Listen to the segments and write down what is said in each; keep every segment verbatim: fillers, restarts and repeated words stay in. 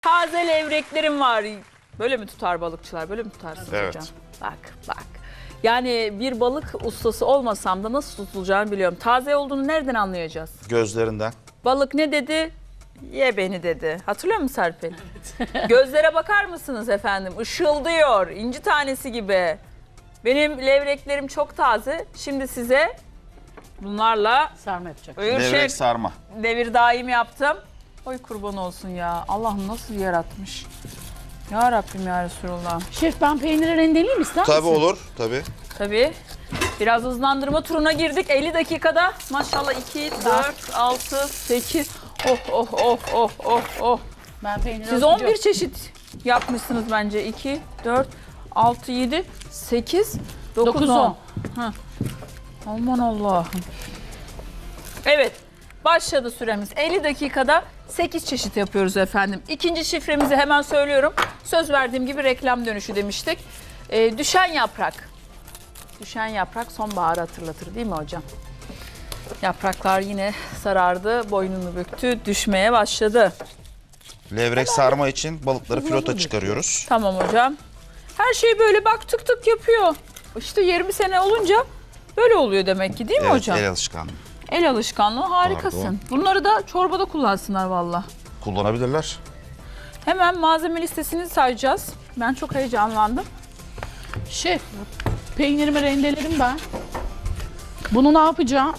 Taze levreklerim var. Böyle mi tutar balıkçılar? Böyle mi tutarsınız Evet. hocam? Bak bak. Yani bir balık ustası olmasam da nasıl tutulacağını biliyorum. Taze olduğunu nereden anlayacağız? Gözlerinden. Balık ne dedi? Ye beni dedi. Hatırlıyor musun Serpil? Evet. Gözlere bakar mısınız efendim? Işıldıyor. İnci tanesi gibi. Benim levreklerim çok taze. Şimdi size bunlarla Sarma yapacak. Öğürşek Levrek sarma. devir daim yaptım. Oy kurban olsun ya. Allah'ım nasıl yaratmış. Ya Rabbim ya Resulullah. Şef ben peyniri rendeleyeyim ister misin? Tabii olur. Tabii. Tabii. Biraz hızlandırma turuna girdik. elli dakikada maşallah iki, dört, altı, sekiz. Oh oh oh oh oh oh. Ben peyniri Siz on bir çeşit yapmışsınız bence. iki, dört, altı, yedi, sekiz, dokuz, on. Aman Allah'ım. Evet. Başladı süremiz. elli dakikada sekiz çeşit yapıyoruz efendim. İkinci şifremizi hemen söylüyorum. Söz verdiğim gibi reklam dönüşü demiştik. Ee, düşen yaprak. Düşen yaprak sonbaharı hatırlatır değil mi hocam? Yapraklar yine sarardı, boynunu büktü, düşmeye başladı. Levrek sarma için balıkları filota çıkarıyoruz. Tamam hocam. Her şey böyle bak tık tık yapıyor. İşte yirmi sene olunca böyle oluyor demek ki değil mi Evet, hocam? el alışkanlığı. El alışkanlığı harikasın. Pardon. Bunları da çorbada kullansınlar valla. Kullanabilirler. Hemen malzeme listesini sayacağız. Ben çok heyecanlandım. Şef peynirimi rendeledim ben. Bunu ne yapacağım?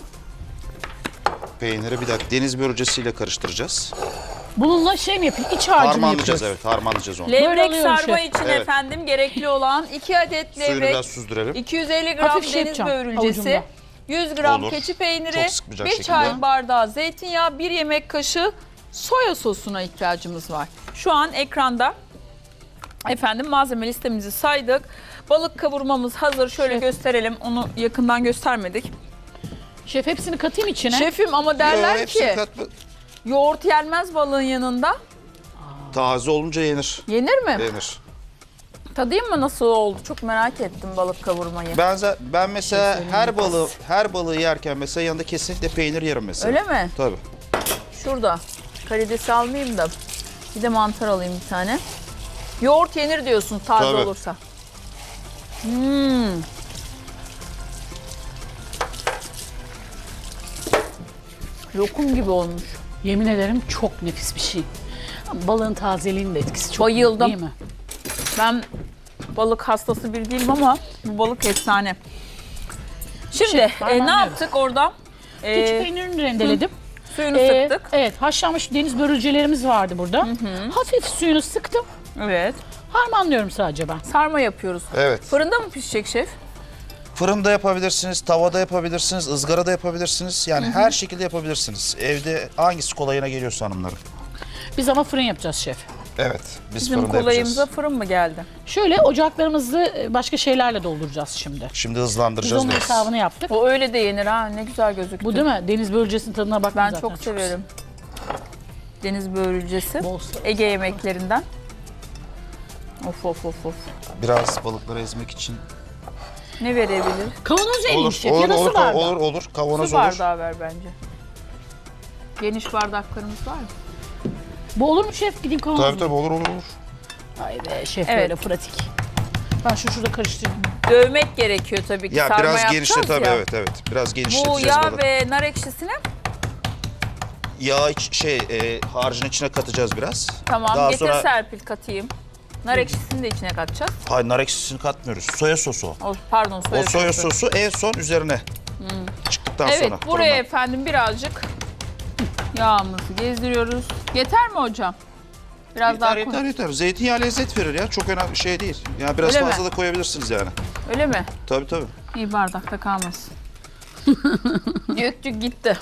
Peyniri bir dakika deniz börülcesiyle karıştıracağız. Bununla şey mi yapayım? İç harcını Harmanlayacağız, yapıyoruz. evet, harmanlayacağız onu. Böyle Levrek alıyorum sarma şef. için Evet. efendim gerekli olan iki adet Suyunu levrek, biraz süzdürelim. iki yüz elli gram Hafif şey deniz yapacağım, börülcesi, avucumda. yüz gram Olur. keçi peyniri, Çok sıkmayacak bir şekilde. çay bardağı zeytinyağı, bir yemek kaşığı soya sosuna ihtiyacımız var. Şu an ekranda efendim malzeme listemizi saydık. Balık kavurmamız hazır. Şöyle Şef. gösterelim. Onu yakından göstermedik. Şef hepsini katayım içine. Şefim ama derler Yo, hepsini ki katma. yoğurt yenmez balığın yanında. Taze olunca yenir. Yenir mi? Yenir. Tadayım mı nasıl oldu? Çok merak ettim balık kavurmayı. Ben za- ben mesela her balığı her balığı yerken mesela yanında kesinlikle peynir yerim mesela. Öyle mi? Tabii. Şurada. Karidesi almayayım da. Bir de mantar alayım bir tane. Yoğurt yenir diyorsun taze Tabii. olursa. Hmm. Lokum gibi olmuş. Yemin ederim çok nefis bir şey. Balığın tazeliğinin de etkisi çok büyük, Bayıldım. değil mi? Ben balık hastası bir değilim ama bu balık efsane. Şimdi Şey, e, ne parmağım yaptık oradan? E, Keçi peynirini rendeledim. suyunu Ee, sıktık. Evet, haşlanmış deniz börülcelerimiz vardı burada. Hafif suyunu sıktım. Evet. Harmanlıyorum sadece ben. Sarma yapıyoruz. Evet. Fırında mı pişecek şef? Fırında yapabilirsiniz, tavada yapabilirsiniz, ızgarada yapabilirsiniz. Yani her şekilde yapabilirsiniz. Evde hangisi kolayına geliyorsa hanımların. Biz ama fırın yapacağız şef. Evet, biz Bizim fırında kolayımıza yapacağız. fırın mı geldi? Şöyle ocaklarımızı başka şeylerle dolduracağız şimdi. Şimdi Biz hızlandıracağız onun biraz. hesabını yaptık. O öyle de yenir ha. Ne güzel gözüktü. Bu değil mi? Deniz börülcesinin tadına bakın Ben zaten. çok severim. Deniz börülcesi. Bol sarı. Ege yemeklerinden. Of of of of. Biraz balıkları ezmek için. Ne verebilir? Kavanoz vereyim Olur, şef olur, ya da su olur, bardağı. olur, olur. Kavanoz Su olur. bardağı ver bence. Geniş bardaklarımız var mı? Bu olur mu şef? Gideyim kavanoz. Tabii tabii olur, olur, olur. Ay be şef Evet. böyle pratik. Ben şu şurada karıştırayım. Dövmek gerekiyor tabii ki. Ya Sarma biraz yapacağız genişle tabii, ya. evet evet. Biraz Bu genişleteceğiz yağ balığı. ve nar ekşisine Yağ iç, şey, e, harcın içine katacağız biraz. tamam Daha getir sonra- Serpil katayım. Nar ekşisini de içine katacağız. Hayır, nar ekşisini katmıyoruz. Soya sosu o. O, pardon soya O soya sosu. sosu en son üzerine. Çıktıktan Evet sonra. buraya fırından. efendim birazcık yağımızı gezdiriyoruz. Yeter mi hocam? Biraz daha Yeter koy. yeter yeter. Zeytinyağı lezzet verir ya. Çok önemli şey değil. Yani biraz Öyle mi? fazla da koyabilirsiniz yani. Öyle mi? Tabii tabii. İyi bardakta kalmasın. Döktük gitti.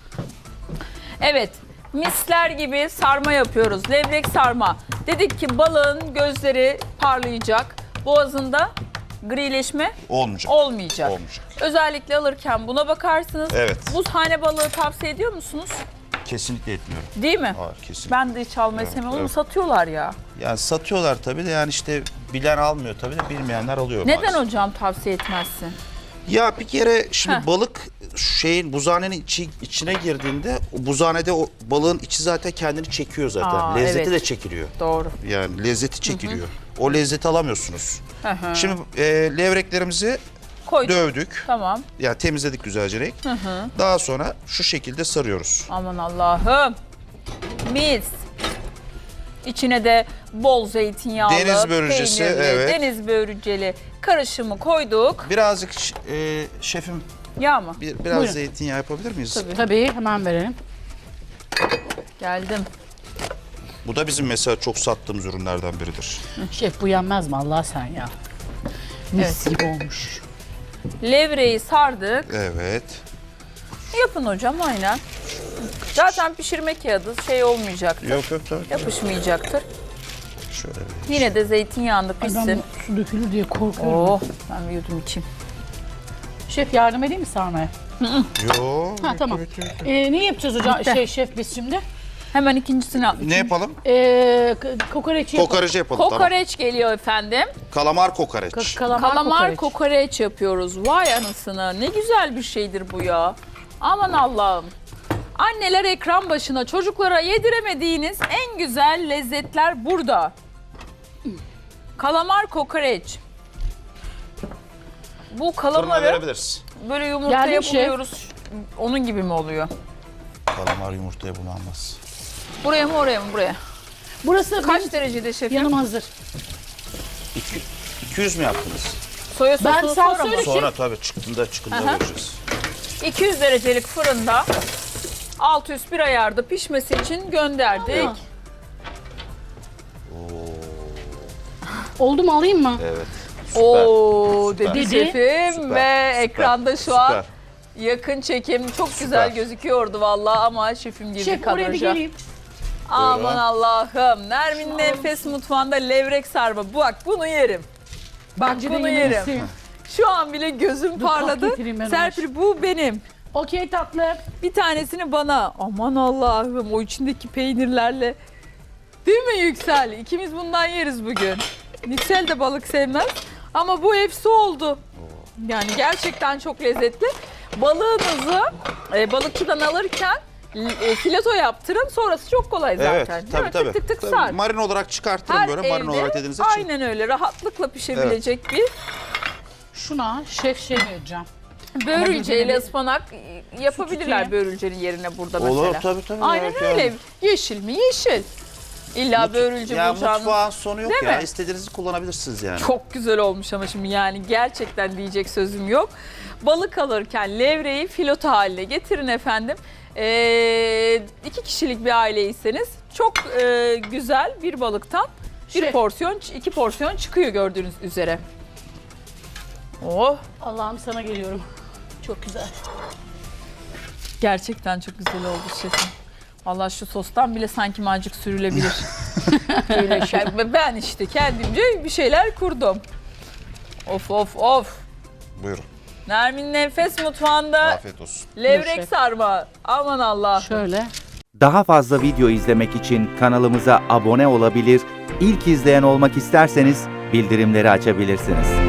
Evet, misler gibi sarma yapıyoruz. Levrek sarma. Dedik ki balığın gözleri parlayacak. Boğazında grileşme Olmayacak. olmayacak. Olmayacak. Özellikle alırken buna bakarsınız. Evet. Buzhane balığı tavsiye ediyor musunuz? Kesinlikle etmiyorum. Değil mi? Hayır, kesinlikle. Ben de hiç almayı Evet, sevmem. Onu evet. satıyorlar ya. Yani satıyorlar tabii de yani işte bilen almıyor tabii de bilmeyenler alıyor Neden maalesef. hocam tavsiye etmezsin? Ya bir kere şimdi Heh. balık şeyin buzhanenin içi, içine girdiğinde o buzhanede o balığın içi zaten kendini çekiyor zaten. Aa, lezzeti evet. de çekiliyor. Doğru. Yani lezzeti çekiliyor. O lezzeti alamıyorsunuz. Hı hı. Şimdi e, levreklerimizi Koyduk. dövdük. Tamam. Yani temizledik güzelce renk. Hı hı. Daha sonra şu şekilde sarıyoruz. Aman Allah'ım. Mis. İçine de bol zeytinyağlı, Deniz börülcesi, peynirli, evet. deniz börülceli karışımı koyduk. Birazcık e, şefim Yağ mı? bir, biraz Buyurun. zeytinyağı yapabilir miyiz? Tabii. Tabii hemen verelim. Geldim. Bu da bizim mesela çok sattığımız ürünlerden biridir. Şef bu yenmez mi Allah sen ya? Mis gibi olmuş. Levreyi sardık. Evet. Yapın hocam aynen. Zaten pişirme kağıdı şey olmayacaktır. Yok yok tabii. Yapışmayacaktır. Şöyle bir. Yine de zeytinyağında Ay ben pişsin. bu su dökülür diye korkuyorum. Oh, ben bir yudum içeyim. Şef yardım edeyim mi sarmaya? Yok. Ha tamam. Ee, ne yapacağız hocam? Bitti. Şey şef biz şimdi? Hemen ikincisini al. Ne yapalım? Ee, k- kokoreçi yapalım. Kokoreç yapalım. Tamam. Kokoreç geliyor efendim. Kalamar kokoreç. Ka- kalamar, Kalamar kokoreç. kokoreç yapıyoruz. Vay anasını. Ne güzel bir şeydir bu ya. Aman Allah'ım. Anneler ekran başına çocuklara yediremediğiniz en güzel lezzetler burada. Kalamar kokoreç. Bu Fırına kalamarı verebiliriz. böyle yumurtaya Geldim şef. buluyoruz. Onun gibi mi oluyor? Kalamar yumurtaya bulanmaz. Buraya mı oraya mı buraya? Burası Kaç benim derecede şefim? yanım hazır. İki- iki yüz mü yaptınız? Soya sosu Ben sen sonra mı? söyle. Sonra tabii çıktığında çıktığında Aha. göreceğiz. iki yüz derecelik fırında alt üst bir ayarda pişmesi için gönderdik. Aa. Oldu mu alayım mı? Evet. Süper. Oo Süper. dedi Dedi. şefim Süper, ve süper, ekranda şu süper. an yakın çekim çok güzel gözüküyordu vallahi ama şefim girdi Şef oraya bir kadraja. geleyim. Aman Buyurun. Allah'ım. Nermin'in Enfes Mutfağı'nda levrek sarma. Bak bunu yerim. Bak Bence de bunu yemelisin. yerim. Şu an bile gözüm Dur, kalk parladı. getireyim ben onu. Serpil bu benim. Okey tatlı. Bir tanesini bana. Aman Allah'ım o içindeki peynirlerle. Değil mi Yüksel? İkimiz bundan yeriz bugün. Yüksel de balık sevmez. Ama bu hepsi oldu. Yani gerçekten çok lezzetli. Balığınızı e, balıkçıdan alırken e, fileto yaptırın. Sonrası çok kolay zaten. Evet, Değil tabii mi? tabii. Tık tık tık Tabii, sar. Marin olarak çıkartırım Her böyle marin evde olarak dediğiniz için. aynen öyle rahatlıkla pişebilecek Şuna şef şey vereceğim. bir börülceyle gözüne- ıspanak yapabilirler tutayım. börülcenin yerine burada mesela. Olur tabii tabii. Aynen evet, öyle. yani. Yeşil mi? Yeşil. İlla börülce Ya bulacağınız. mutfağın sonu yok Değil ya. mi? İstediğinizi kullanabilirsiniz yani. Çok güzel olmuş ama şimdi yani gerçekten diyecek sözüm yok. Balık alırken levreyi filoto haline getirin efendim. Ee, iki kişilik bir aileyseniz çok e, güzel bir balıktan bir Şef. porsiyon, iki porsiyon çıkıyor gördüğünüz üzere. Oh, Allah'ım sana geliyorum. Çok güzel. gerçekten çok güzel oldu şefim. Vallahi şu sostan bile sanki macık sürülebilir. Böyle şey. Ben işte kendimce bir şeyler kurdum. Of of of. Buyurun. Nermin'in Enfes Mutfağı'nda Afiyet olsun. levrek Şef. sarma. Aman Allah. Şöyle. Daha fazla video izlemek için kanalımıza abone olabilir, ilk izleyen olmak isterseniz bildirimleri açabilirsiniz.